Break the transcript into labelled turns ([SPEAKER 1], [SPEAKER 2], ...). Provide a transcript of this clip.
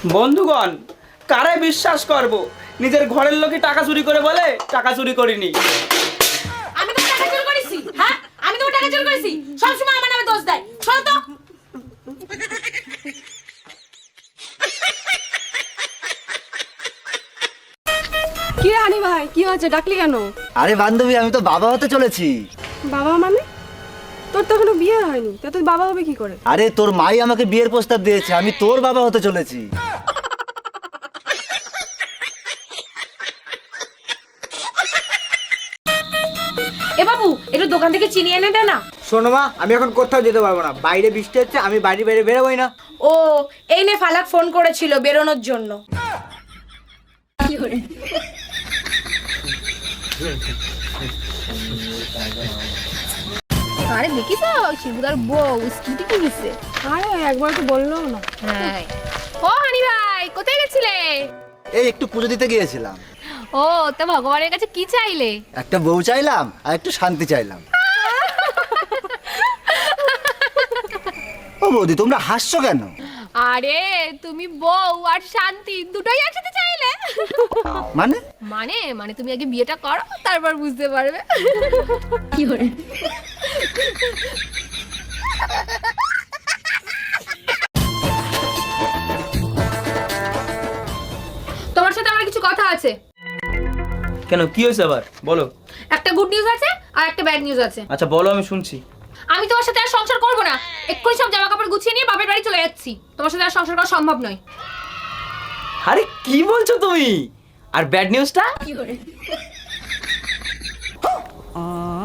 [SPEAKER 1] বন্ধুগণ, কারে বিশ্বাস করব? নিজের ঘরের লোকই টাকা চুরি করে বলে টাকা চুরি করিনি।
[SPEAKER 2] আমি তো টাকা চুরি করেছি। হ্যাঁ, আমি তো টাকা চুরি করেছি। সব সময় আমার নামে দোষ দেয়। শোনো তো।
[SPEAKER 3] কি রে হানি ভাই, কি হয়েছে, ডাকলি কেন?
[SPEAKER 4] আরে বান্ধবী, আমি তো বাবা হতে চলেছি।
[SPEAKER 3] বাবা মানে? তোর তো এখনো বিয়ে হয়নি, তা তুই বাবা হবে কি করে?
[SPEAKER 4] আরে তোর মাই আমাকে বিয়ের প্রস্তাব দিয়েছে, আমি তোর বাবা হতে চলেছি।
[SPEAKER 2] এ বাবু, একটু দোকান থেকে চিনি এনে দে না।
[SPEAKER 5] শোনো মা, আমি এখন কোথাও যেতে পারবো না, বাইরে বৃষ্টি হচ্ছে, আমি বাইরে বেরোবোই না।
[SPEAKER 2] ও, এই নে ফালাক ফোন করেছিল বেরোনোর জন্য।
[SPEAKER 6] আরে দেখি তো শিবুদার বউ স্কুটি কিনেছে।
[SPEAKER 3] আরে একবার তো বললো না।
[SPEAKER 6] হ্যাঁ। ও হানি ভাই, কোথায় গেছিলে?
[SPEAKER 4] এই একটু পুজো দিতে গিয়েছিলাম।
[SPEAKER 6] ও, তা ভগবানের কাছে কি চাইলে?
[SPEAKER 4] একটা বউ চাইলাম আর একটু শান্তি চাইলাম। ও বৌদি, তোমরা হাসছো কেন?
[SPEAKER 6] আরে তুমি বউ আর শান্তি দুটোই একসাথে চাইলে?
[SPEAKER 4] মানে?
[SPEAKER 6] মানে মানে তুমি আগে বিয়েটা করো, তারপর বুঝতে পারবে। কি করে? তোমার সাথে আমার কিছু কথা আছে।
[SPEAKER 1] কেন, কি হয়েছে আবার বলো?
[SPEAKER 6] একটা গুড নিউজ আছে আর একটা ব্যাড নিউজ আছে।
[SPEAKER 1] আচ্ছা বলো, আমি শুনছি।
[SPEAKER 6] আমি তোমার সাথে আর সংসার করব না। এক্ষুনি সব জামা কাপড় গুছিয়ে নিয়ে বাপের বাড়ি চলে যাচ্ছি। তোমার সাথে আর সংসার করা সম্ভব নয়।
[SPEAKER 1] আরে কি বলছো তুমি? আর ব্যাড নিউজটা?
[SPEAKER 6] কি করে?